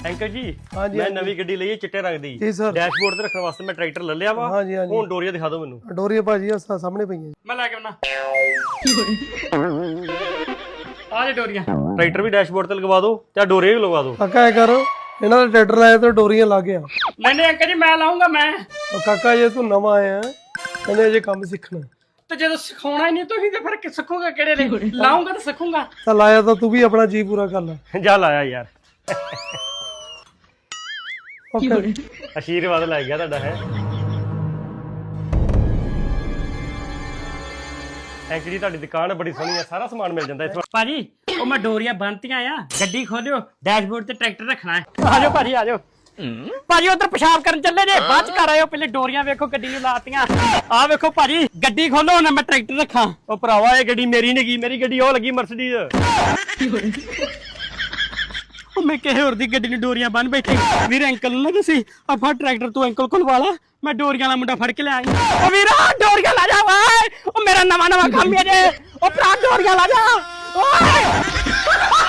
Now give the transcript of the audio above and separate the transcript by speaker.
Speaker 1: uncle ਜੀ
Speaker 2: हाँ जी
Speaker 1: ਮੈਂ ਨਵੀਂ ਗੱਡੀ ਲਈ ਹੈ ਚਿੱਟੇ ਰੰਗ ਦੀ
Speaker 2: जी सर
Speaker 1: ਡੈਸ਼ਬੋਰਡ ਤੇ ਰੱਖਣ ਵਾਸਤੇ ਮੈਂ ਟਰੈਕਟਰ ਲੈ ਲਿਆ ਵਾ
Speaker 2: हाँ जी हाँ जी
Speaker 1: ਹੁਣ ਡੋਰੀਆਂ ਦਿਖਾ ਦਿਓ ਮੈਨੂੰ
Speaker 2: डोरिया भाजी सामने पई है
Speaker 3: ਮੈਂ ਲੈ ਕੇ ਆਉਣਾ ਆ ਜੇ ਡੋਰੀਆਂ
Speaker 1: ਟਰੈਕਟਰ ਵੀ ਡੈਸ਼ਬੋਰਡ ਤੇ ਲਗਵਾ ਦਿਓ ਤੇ ਡੋਰੀਆਂ ਵੀ ਲਗਵਾ ਦਿਓ
Speaker 2: काका है करो इन्हों ने ट्रैक्टर लाया तो डोरियां ला गया
Speaker 3: ਨਹੀਂ ਨਹੀਂ ਅੰਕਲ ਜੀ ਮੈਂ ਲਾਉਂਗਾ ਮੈਂ
Speaker 2: और काका ये तू नवा आया है कहने ये काम सीखना
Speaker 3: ਤੇ ਜਦੋਂ ਸਿਖਾਉਣਾ ਹੀ ਨਹੀਂ ਤੁਸੀਂ ਤੇ ਫਿਰ ਕਿ ਸਿੱਖੂਗਾ ਕਿਹੜੇ ਲਈ ਲਾਉਂਗਾ ਤਾਂ ਸਿੱਖੂਗਾ
Speaker 2: चल आया तो तू भी अपना जी पूरा कर ले
Speaker 1: ਜਾ ਲਾਇਆ ਯਾਰ
Speaker 2: ओके
Speaker 1: ਆਸ਼ੀਰਵਾਦ ਲੈ ਗਿਆ ਤੁਹਾਡਾ ਹੈ ਅੰਕਲ ਜੀ ਤੁਹਾਡੀ ਦੁਕਾਨ ਬੜੀ ਸੋਹਣੀ ਹੈ ਸਾਰਾ ਸਮਾਨ ਮਿਲ ਜਾਂਦਾ ਇੱਥੋਂ
Speaker 3: ਭਾਜੀ ਉਹ ਮੈਂ ਡੋਰੀਆਂ ਬੰਨਤੀਆਂ ਆ ਗੱਡੀ ਖੋਲਿਓ ਡੈਸ਼ਬੋਰਡ ਤੇ ਟਰੈਕਟਰ ਰੱਖਣਾ ਹੈ ਆਜੋ ਭਾਜੀ ਆਜੋ ਭਾਜੀ ਉਧਰ ਪਿਸ਼ਾਬ ਕਰਨ ਚੱਲੇ ਜੇ ਬਾਅਦ ਚ ਘਰ ਆਇਓ ਪਹਿਲੇ ਡੋਰੀਆਂ ਵੇਖੋ ਗੱਡੀ ਨੂੰ ਲਾਤੀਆਂ ਆ ਵੇਖੋ ਭਾਜੀ ਗੱਡੀ ਖੋਲੋ ਹੁਣ ਮੈਂ ਟਰੈਕਟਰ ਰੱਖਾਂ
Speaker 1: ਉਹ ਭਰਾਵਾ ਇਹ ਗੱਡੀ ਮੇਰੀ ਨਹੀਂ ਗਈ ਮੇਰੀ ਗੱਡੀ ਉਹ ਲੱਗੀ ਮਰਸੀਡੀਜ਼
Speaker 3: ਉਹ ਮੈਂ ਕਿਸੇ ਹੋਰ ਦੀ ਗੱਡੀ ਨੂੰ ਡੋਰੀਆਂ ਬੰਨ ਬੈਠੇ ਵੀਰ ਅੰਕਲ ਨੂੰ ਨਾ ਤੁਸੀਂ ਆ ਫੜ ਟਰੈਕਟਰ ਤੂੰ ਅੰਕਲ ਕੋਲ ਵਾਲਾ ਮੈਂ ਡੋਰੀਆਂ ਵਾਲਾ ਮੁੰਡਾ ਫੜ ਕੇ ਲਿਆਈ ਉਹ ਵੀਰਾ ਡੋਰੀਆਂ ਲਾ ਜਾ ਓਏ ਉਹ ਮੇਰਾ ਨਵਾਂ ਕੰਮ ਹੈ ਜੇ ਉਹ ਭਰਾ ਡੋਰੀਆਂ ਲਾ ਜਾ ਓਏ